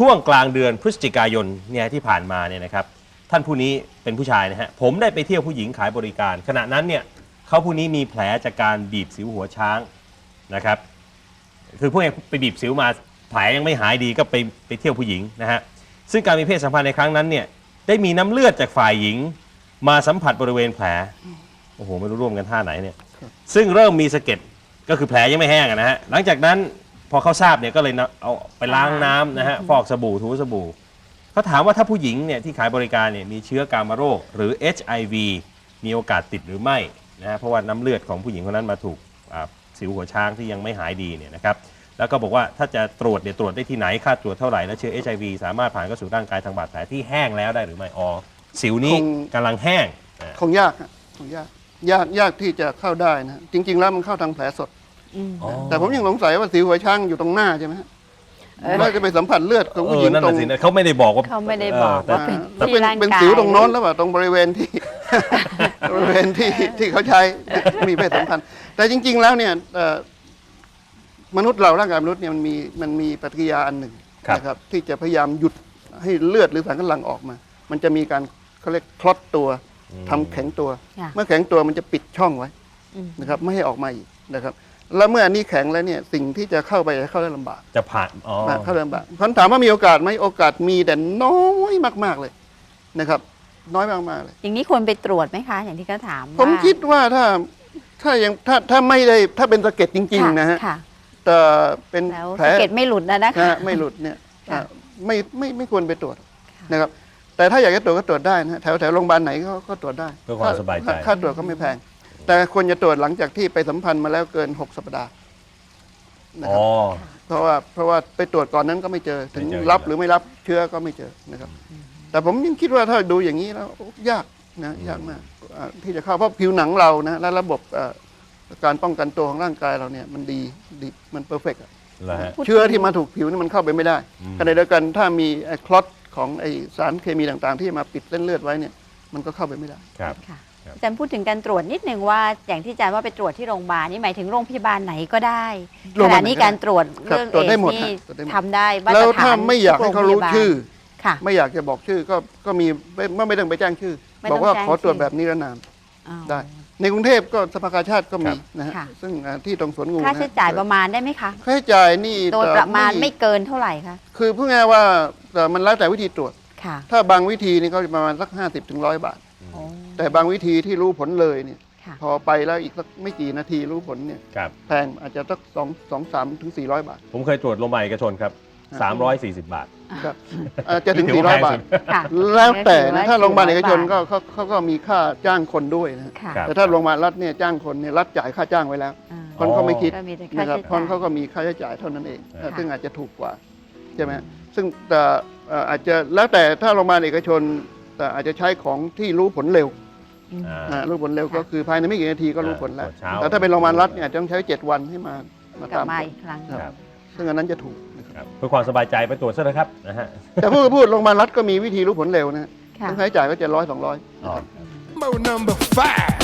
ช่วงกลางเดือนพฤศจิกายนเนี่ยที่ผ่านมาเนี่ยนะครับท่านผู้นี้เป็นผู้ชายนะฮะผมได้ไปเที่ยวผู้หญิงขายบริการขณะนั้นเนี่ยเขาผู้นี้มีแผลจากการบีบสิวหัวช้างนะครับคือพวกนี้ไปบีบสิวมาแผลยังไม่หายดีก็ไปเที่ยวผู้หญิงนะฮะซึ่งการมีเพศสัมพันธ์ในครั้งนั้นเนี่ยได้มีน้ำเลือดจากฝ่ายหญิงมาสัมผัสบริเวณแผลโอ้โหไม่รู้ร่วมกันท่าไหนเนี่ยซึ่งเริ่มมีสะเก็ดก็คือแผลยังไม่แห้งนะฮะหลังจากนั้นพอเขาทราบเนี่ยก็เลยเอาไปล้างน้ำนะฮะฟอกสบู่ถูสบู่เขาถามว่าถ้าผู้หญิงเนี่ยที่ขายบริการเนี่ยมีเชื้อกามโรคหรือ HIV มีโอกาสติดหรือไม่นะฮะเพราะว่าน้ำเลือดของผู้หญิงคนนั้นมาถูกสิวหัวช้างที่ยังไม่หายดีเนี่ยนะครับแล้วก็บอกว่าถ้าจะตรวจเนี่ยตรวจได้ที่ไหนค่าตรวจเท่าไหร่และเชื้อ HIV สามารถผ่านเข้าสู่ร่างกายทางบาดแผลที่แห้งแล้วได้หรือไม่อ๋อสิวนี้กำลังแห้งคงยากคงยากที่จะเข้าได้นะจริงๆแล้วมันเข้าทางแผลสดแต่ผมยังสงสัยว่าสิวหัวช้างอยู่ตรงหน้าใช่ไหมฮะเราจะไปสัมผัสเลือดของผู้หญิงตรงเขาไม่ได้บอกว่าว่าเป็นสิวตรงโน้นแล้วว่าตรงบริเวณที่ บริเวณที่เขาใช้มีเพศสัมพันธ์แต่จริงๆแล้วเนี่ยมนุษย์เราร่างกายมนุษย์เนี่ยมันมีปฏิกิริยาอันหนึ่งนะครับที่จะพยายามหยุดให้เลือดหรือสารคัดหลั่งออกมามันจะมีการเขาเรียกคลอตตัวทำแข็งตัวเมื่อแข็งตัวมันจะปิดช่องไว้นะครับไม่ให้ออกมาอีกนะครับแล้วเมื่ออันนี้แข็งแล้วเนี่ยสิ่งที่จะเข้าไปเข้าได้ลำบากจะผ่านเข้าได้ลำบากคำถามว่ามีโอกาสไหมโอกาสมีแต่น้อยมากๆเลยนะครับน้อยมากๆเลยอย่างนี้ควรไปตรวจไหมคะอย่างที่เขาถามผมคิดว่าถ้าไม่ได้ถ้าเป็นสะเก็ดจริงๆนะฮะแต่เป็นแผลสะเก็ดไม่หลุดนะคะไม่หลุดเนี่ยไม่ควรไปตรวจนะครับแต่ถ้าอยากจะตรวจก็ตรวจได้นะแถวโรงพยาบาลไหนก็ตรวจได้เพื่อความสบายใจค่าตรวจก็ไม่แพงแต่ควรจะตรวจหลังจากที่ไปสัมพันธ์มาแล้วเกิน6 สัปดาห์นะครับเพราะว่าไปตรวจก่อนนั้นก็ไม่เจอถึงรับหรือไม่รับเชื้อก็ไม่เจอนะครับแต่ผมยังคิดว่าถ้าดูอย่างนี้แล้วยากมากที่จะเข้าเพราะผิวหนังเรานะและระบบการป้องกันตัวของร่างกายเราเนี่ยมันดีมันเพอร์เฟกต์เชื้อที่มาถูกผิวนี่มันเข้าไปไม่ได้ขณะเดียวกันถ้ามีคลอตของไอสารเคมีต่างๆที่มาปิดเส้นเลือดไว้เนี่ยมันก็เข้าไปไม่ได้ครับอาจารย์พูดถึงการตรวจนิดนึงว่าอย่างที่อาจารย์ว่าไปตรวจที่โรงพยาบาลนี่หมายถึงโรงพยาบาลไหนก็ได้ขณะนี้การตรวจเรื่องเอดส์นี่ทำได้แล้วถ้าไม่อยากให้เขารู้ชื่อไม่อยากจะบอกชื่อก็มีไม่ต้องไปแจ้งชื่อบอกว่าขอตรวจแบบนิรนามได้ในกรุงเทพก็สภากาชาดก็มีนะฮะซึ่งที่ตรงสวนงูค่าใช้จ่ายประมาณได้ไหมคะค่าใช้จ่ายนี่โดยประมาณไม่เกินเท่าไหร่คะคือพูดง่ายว่ามันแล้วแต่วิธีตรวจถ้าบางวิธีนี่ก็ประมาณสัก50 ถึง 100 บาทแต่บางวิธีที่รู้ผลเลยเนี่ยพอไปแล้วอีกสักไม่กี่นาทีรู้ผลเนี่ยแพงอาจจะสัก2-3 ถึง 400 บาทผมเคยตรวจโรงพยาบาลเอกชนครับ340 บาทครับจะถึง400 บาทแล้วแต่นะถ้าโรงพยาบาลเอกชนก็เขาก็มีค่าจ้างคนด้วยนะแต่ถ้าโรงพยาบาลรัฐเนี่ยจ้างคนเนี่ยรัฐจ่ายค่าจ้างไว้แล้วคนเขาไม่คิดนะครับคนเขาก็มีค่าใช้จ่ายเท่านั้นเองซึ่งอาจจะถูกกว่าใช่ไหมซึ่งแต่อาจจะแล้วแต่ถ้าโรงพยาบาลเอกชนแต่อาจจะใช้ของที่รู้ผลเร็วรู้ผลเร็วก็คือภายในไม่กี่นาทีก็รู้ผลแล้วแต่ถ้าเป็นโรงพยาบาลรัฐเนี่ยต้องใช้7 วันให้มาตามอีกครั้งซึ่งอันนั้นจะถูกเพื่อความสบายใจไปตรวจซะนะครับนะฮะแต่พูดโรงพยาบาลรัฐก็มีวิธีรู้ผลเร็วนะต้องใช้จ่ายก็700-200